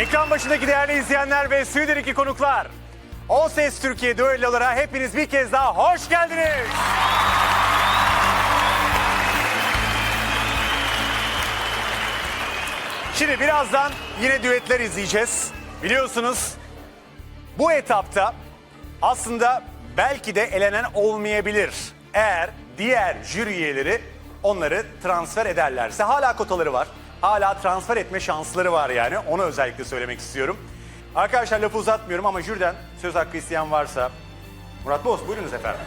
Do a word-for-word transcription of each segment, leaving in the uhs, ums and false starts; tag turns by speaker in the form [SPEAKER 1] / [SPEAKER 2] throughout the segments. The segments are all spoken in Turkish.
[SPEAKER 1] Ekran başındaki değerli izleyenler ve Stüdyo iki konuklar. O Ses Türkiye düellolara hepiniz bir kez daha hoş geldiniz. Şimdi birazdan yine düetler izleyeceğiz. Biliyorsunuz bu etapta aslında belki de elenen olmayabilir. Eğer diğer jüri üyeleri onları transfer ederlerse hala kotaları var. Hala transfer etme şansları var yani. Onu özellikle söylemek istiyorum. Arkadaşlar lafı uzatmıyorum ama jüriden söz hakkı isteyen varsa... Murat Boz buyurunuz efendim.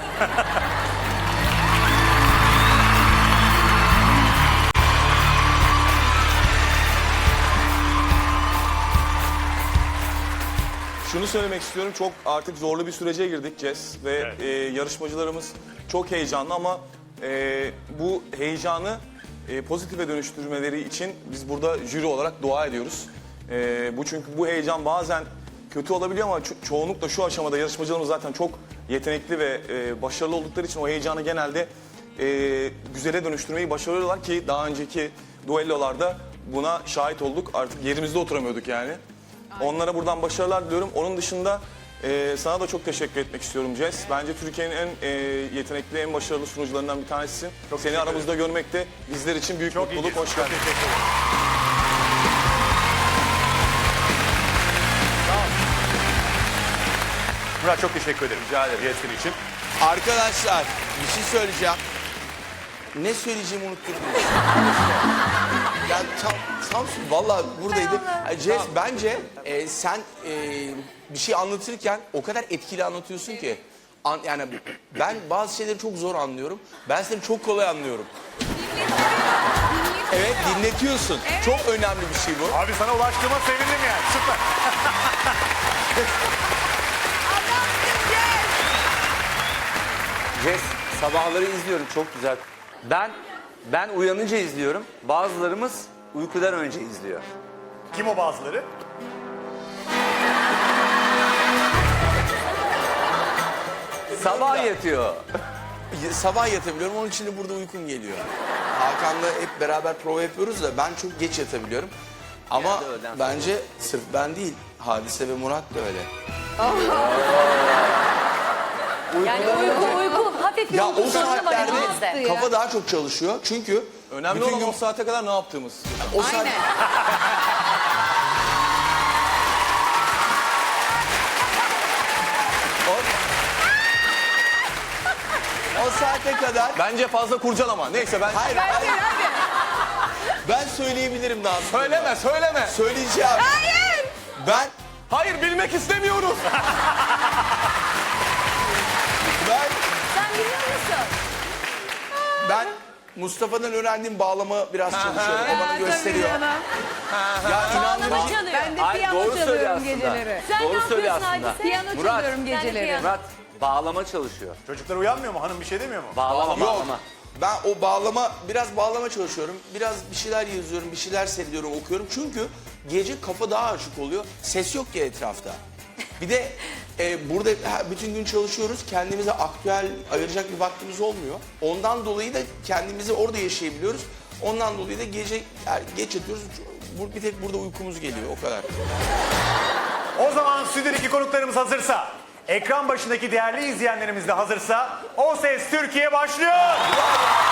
[SPEAKER 2] Şunu söylemek istiyorum, çok artık zorlu bir sürece girdik Jess ve
[SPEAKER 1] Evet.
[SPEAKER 2] e, yarışmacılarımız çok heyecanlı ama e, bu heyecanı e, pozitife dönüştürmeleri için biz burada jüri olarak dua ediyoruz. E, bu çünkü bu heyecan bazen kötü olabiliyor ama ço- çoğunlukla şu aşamada yarışmacılarımız zaten çok yetenekli ve e, başarılı oldukları için o heyecanı genelde e, güzele dönüştürmeyi başarıyorlar ki daha önceki duellolarda buna şahit olduk. Artık yerimizde oturamıyorduk yani. Onlara buradan başarılar diliyorum. Onun dışında e, sana da çok teşekkür etmek istiyorum Jess. Bence Türkiye'nin en e, yetenekli, en başarılı sunucularından bir tanesisin.
[SPEAKER 1] Çok
[SPEAKER 2] Seni
[SPEAKER 1] teşekkür
[SPEAKER 2] aramızda görmek de bizler için büyük
[SPEAKER 1] Çok
[SPEAKER 2] mutluluk.
[SPEAKER 1] iyi.
[SPEAKER 2] Hoş
[SPEAKER 1] Çok
[SPEAKER 2] geldin.
[SPEAKER 1] teşekkür ederim. Sağ ol. Murat çok teşekkür ederim.
[SPEAKER 2] Rica ederim.
[SPEAKER 1] Diyetleri için.
[SPEAKER 3] Arkadaşlar bir şey söyleyeceğim. Ne söyleyeceğimi unuttum. Ya tam, tam vallahi buradaydı. Jess bence e, sen e, bir şey anlatırken o kadar etkili anlatıyorsun ki. An, yani ben bazı şeyleri çok zor anlıyorum. Ben seni çok kolay anlıyorum. Evet dinletiyorsun. Çok önemli bir şey bu.
[SPEAKER 1] Abi sana ulaştığıma sevindim yani. Süper.
[SPEAKER 4] Jess, sabahları izliyorum, çok güzel. Ben ben uyanınca izliyorum. Bazılarımız uykudan önce izliyor.
[SPEAKER 1] Kim o bazıları?
[SPEAKER 4] Sabah yatıyor.
[SPEAKER 3] Sabah yatabiliyorum, onun için de burada uykum geliyor. Hakan'la hep beraber prova yapıyoruz da ben çok geç yatabiliyorum. Ama
[SPEAKER 4] Genelde öğleden sonra.
[SPEAKER 3] bence sırf ben değil, Hadise ve Murat da öyle.
[SPEAKER 5] Yani uyku uyku hafif bir
[SPEAKER 3] Ya
[SPEAKER 5] uyku
[SPEAKER 3] o
[SPEAKER 5] sorunu var
[SPEAKER 3] saatlerde
[SPEAKER 5] elimizde.
[SPEAKER 3] kafa daha çok çalışıyor. Çünkü
[SPEAKER 2] Önemli
[SPEAKER 3] bütün
[SPEAKER 2] olan
[SPEAKER 3] gün
[SPEAKER 2] o saate kadar ne yaptığımız.
[SPEAKER 3] o saat... o... o saate kadar...
[SPEAKER 2] Bence fazla kurcalama. Neyse ben...
[SPEAKER 3] Hayır, hayır. Ben söyleyebilirim daha sonra.
[SPEAKER 2] Söyleme, söyleme.
[SPEAKER 3] Söyleyeceğim. Hayır. Ben,
[SPEAKER 2] Hayır, bilmek istemiyoruz.
[SPEAKER 3] ben,
[SPEAKER 5] Sen biliyor musun?
[SPEAKER 3] ben Mustafa'dan öğrendiğim bağlama biraz çalışıyorum. O bana gösteriyor. Ya inanılmaz.
[SPEAKER 5] Bağlama çalıyor.
[SPEAKER 6] Ben de
[SPEAKER 4] Hayır,
[SPEAKER 6] piyano
[SPEAKER 4] doğru söylüyor
[SPEAKER 6] çalıyorum
[SPEAKER 4] aslında.
[SPEAKER 6] geceleri.
[SPEAKER 5] Sen
[SPEAKER 4] Doğru
[SPEAKER 5] ne
[SPEAKER 4] söylüyor
[SPEAKER 5] yapıyorsun
[SPEAKER 4] aslında.
[SPEAKER 5] Hadise?
[SPEAKER 6] Piyano
[SPEAKER 4] Murat,
[SPEAKER 6] çalıyorum
[SPEAKER 5] sen de
[SPEAKER 6] geceleri.
[SPEAKER 5] piyano.
[SPEAKER 4] Murat, bağlama çalışıyor.
[SPEAKER 1] Çocuklar uyanmıyor mu? Hanım bir şey demiyor mu?
[SPEAKER 4] Bağlama,
[SPEAKER 3] Yok.
[SPEAKER 4] bağlama.
[SPEAKER 3] Ben o bağlama, biraz bağlama çalışıyorum. Biraz bir şeyler yazıyorum, bir şeyler seyrediyorum, okuyorum. Çünkü gece kafa daha açık oluyor. Ses yok ya etrafta. Bir de e, burada ha, bütün gün çalışıyoruz. Kendimize aktüel ayıracak bir vaktimiz olmuyor. Ondan dolayı da kendimizi orada yaşayabiliyoruz. Ondan dolayı da gece yani geç yatıyoruz. Bu- Bir tek burada uykumuz geliyor, o kadar.
[SPEAKER 1] O zaman Stüdyo iki konuklarımız hazırsa, ekran başındaki değerli izleyenlerimiz de hazırsa, O Ses Türkiye başlıyor.